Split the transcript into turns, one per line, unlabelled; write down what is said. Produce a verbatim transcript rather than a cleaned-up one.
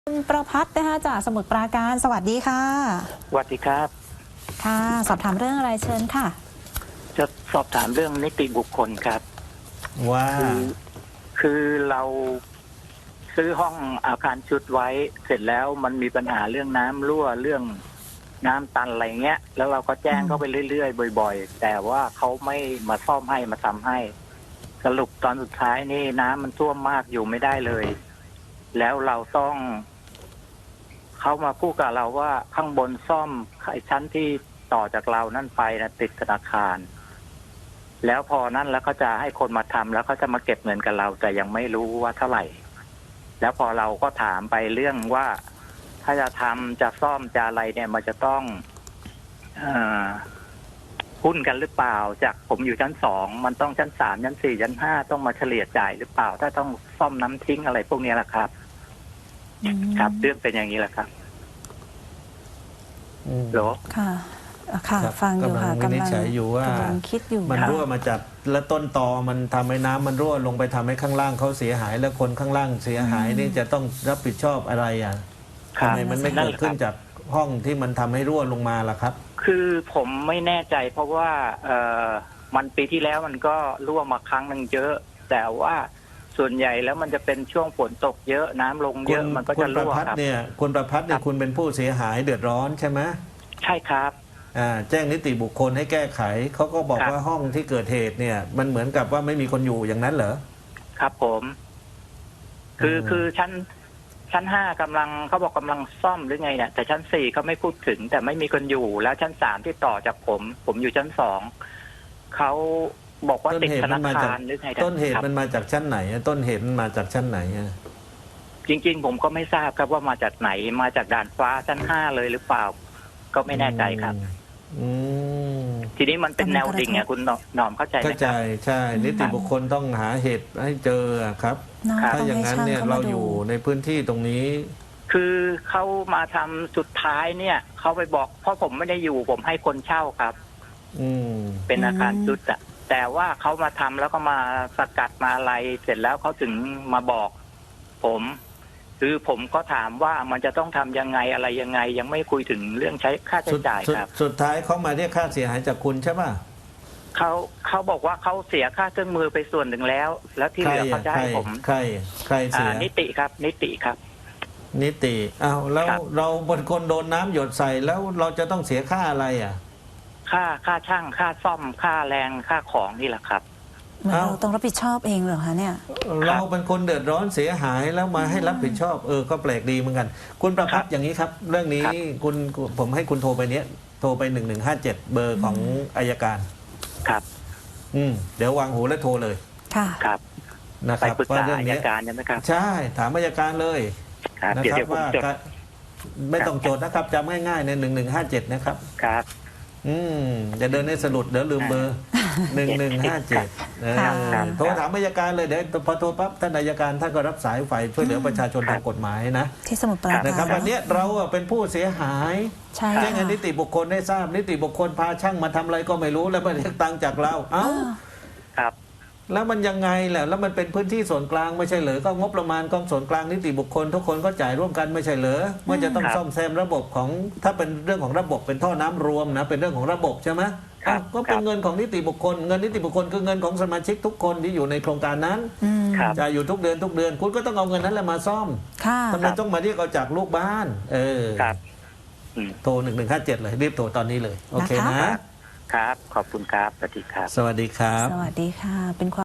คุณประภัสนะคะจากสมุทรปราการสวัสดีค่ะ
สวัสดีครับ
ค่ะสอบถามเรื่องอะไรเชิญค่ะ
จะสอบถามเรื่องนิติบุคคลครับ
ว่า
คือคือเราซื้อห้องอาคารชุดไว้เสร็จแล้วมันมีปัญหาเรื่องน้ำรั่วเรื่องน้ำตันอะไรเงี้ยแล้วเราก็แจ้งเข้าไปเรื่อยๆบ่อยๆแต่ว่าเขาไม่มาซ่อมให้มาทำให้สรุปตอนสุดท้ายนี่น้ำมันท่วมมากอยู่ไม่ได้เลยแล้วเราต้องเขามาพูดกับเราว่าข้างบนซ่อมไอ้ชั้นที่ต่อจากเรานั่นไปนะติดธนาคารแล้วพอนั่นแล้วก็จะให้คนมาทำแล้วเขาจะมาเก็บเงินกับเราแต่ยังไม่รู้ว่าเท่าไหร่แล้วพอเราก็ถามไปเรื่องว่าถ้าจะทำจะซ่อมจะอะไรเนี่ยมันจะต้องเอ่อหุ้นกันหรือเปล่าจากผมอยู่ชั้นสองมันต้องชั้นสามชั้นสี่ชั้นห้าต้องมาเฉลี่ยจ่ายหรือเปล่าถ้าต้องซ่อมน้ำทิ้งอะไรพวกนี้แหละครับครับเรื่องเป็นอย่างนี้แหละครับโหร
ค่ะค่ะฟังอยู่ค่ะ
กำลังวินิจฉัยอยู่ว่าก
ำลังคิดอยู่
มันรั่วมาจากและต้นตอมันทำให้น้ำมันรั่วลงไปทำให้ข้างล่างเขาเสียหายแล้วคนข้างล่างเสียหายนี่จะต้องรับผิดชอบอะไรอ่ะทำไมมันไม่เกิดขึ้นจากห้องที่มันทำให้รั่วลงมาล่ะครับ
คือผมไม่แน่ใจเพราะว่าเอ่อมันปีที่แล้วมันก็รั่วมาครั้งนึงเยอะแต่ว่าส่วนใหญ่แล้วมันจะเป็นช่วงฝนตกเยอะน้ำลงเยอะมันก็จะรั่วครับ
เนี่ยคุณประภัสเนี่ยคุณเป็นผู้เสียหายเดือดร้อนใช่ไหม
ใช่ครับ
อ่าแจ้งนิติบุคคลให้แก้ไขเขาก็บอกว่าห้องที่เกิดเหตุเนี่ยมันเหมือนกับว่าไม่มีคนอยู่อย่างนั้นเหรอ
ครับผมคือคือชั้นชั้นห้ากำลังเขาบอกกำลังซ่อมหรือไงเนี่ยแต่ชั้นสี่เขาไม่พูดถึงแต่ไม่มีคนอยู่แล้วชั้นสามที่ต่อจากผม ผมอยู่ชั้นสองเขาบอกว่าติดธนาคารหรือไง
ต้นเหตุมันมาจากชั้นไหนต้นเหตุมันมาจากชั้นไหน
จริงๆผมก็ไม่ทราบครับว่ามาจากไหนมาจากด่านฟ้าชั้นห้าเลยหรือเปล่าก็ไม่แน่ใจครับทีนี้มันเป็นแนวดิ่งไงคุณหนอมเข้าใจไหมครับเข้า
ใจใช่นิติบุคคลต้องหาเหตุให้เจอครับถ้าอย่างนั้นเนี่ยเราอยู่ในพื้นที่ตรงนี้
คือเขามาทำสุดท้ายเนี่ยเขาไปบอกเพราะผมไม่ได้อยู่ผมให้คนเช่าครับ
อืม
เป็นอาคารชุดอะแต่ว่าเขามาทำแล้วก็มาสกัดมาอะไรเสร็จแล้วเขาถึงมาบอกผมคือผมก็ถามว่ามันจะต้องทำยังไงอะไรยังไงยังไม่คุยถึงเรื่องใช้ค่าใช้จ่ายครับ
สุดท้ายเขามาเรียกค่าเสียหายจากคุณใช่ป่ะ
เขาเขาบอกว่าเขาเสียค่าเครื่องมือไปส่วนหนึ่งแล้วแล้วที่เหลือเขาจะให้ผม
ใครใครเสีย
นิติครับนิติครับ
นิติอ้าวแล้วเราบนคนโดนน้ำหยดใส่แล้วเราจะต้องเสียค่าอะไรอ่ะ
ค่าค่าช่างค่าซ่อมค่าแรงค่าของนี่แหละครับ
เราต้องรับผิดชอบเองเหรอคะเนี่ย
เราเป็นคนเดือดร้อนเสียหายแล้วมาให้รับผิดชอบเออก็แปลกดีเหมือนกันคุณประภัสอย่างนี้ครับเรื่องนี้คุณผมให้คุณโทรไปเนี้ยโทรไปหนึ่งหนึ่งห้าเจ็ดเบอร์ของอัยการ
ครับ
อืมเดี๋ยววางหูและโทรเลย
ค่ะ
ครับ
นะครับ
ว่าเรื่องนี้อัยการใช่ไหมครับ
ใช่ถามอัยการเลย
นะครับว่า
ไม่ต้องโจทย์นะครับจำง่ายๆในหนึ่งหนึ่งห้าเจ็ดนะครับ
ครับ
อืมจะเดินให้สลุดเดี๋ยวลืมเบอร์หนึ่งหนึ่งห้าเจ็ดโทรถามอัยการเลยเดี๋ยวพอโทรปั๊บท่านอัยการท่านก็รับสายฝ่ายช่วยเหลือประชาชนทางกฎหมายนะ
ที่สมุทรปราการ
นะครับวันนี้เราเป็นผู้เสียหายแจ้งนิติบุคคลได้ทราบนิติบุคคลพาช่างมาทำอะไรก็ไม่รู้แล้วมาเรียกตังค์จากเราเอ้า
ครับ
แล้วมันยังไงแหละแล้วมันเป็นพื้นที่ส่วนกลางไม่ใช่เหรอก็งบประมาณกองส่วนกลางนิติบุคคลทุกคนก็จ่ายร่วมกันไม่ใช่เหรอเมื่อจะต้องซ่อมแซมระบบของถ้าเป็นเรื่องของระบบเป็นท่อน้ำรวมนะเป็นเรื่องของระบบใช่ไหมก็เป็นเงินของนิติบุคคลเงินนิติบุคคลคือเงินของสมาชิกทุกคนที่อยู่ในโครงการนั้นจ่ายอยู่ทุกเดือนทุกเดือนคุณก็ต้องเอาเงินนั้นแหละมาซ่อมทำไมต้องมาเรียกเอาจากลูกบ้านเออโทรหนึ่งหนึ่งห้าเจ็ดเลยรีบโทรตอนนี้เลยโอเคนะครับ
ขอบคุณครับสวัสดีครับ
สวัสดีครับ
สวัสดีค่ะเป็นความ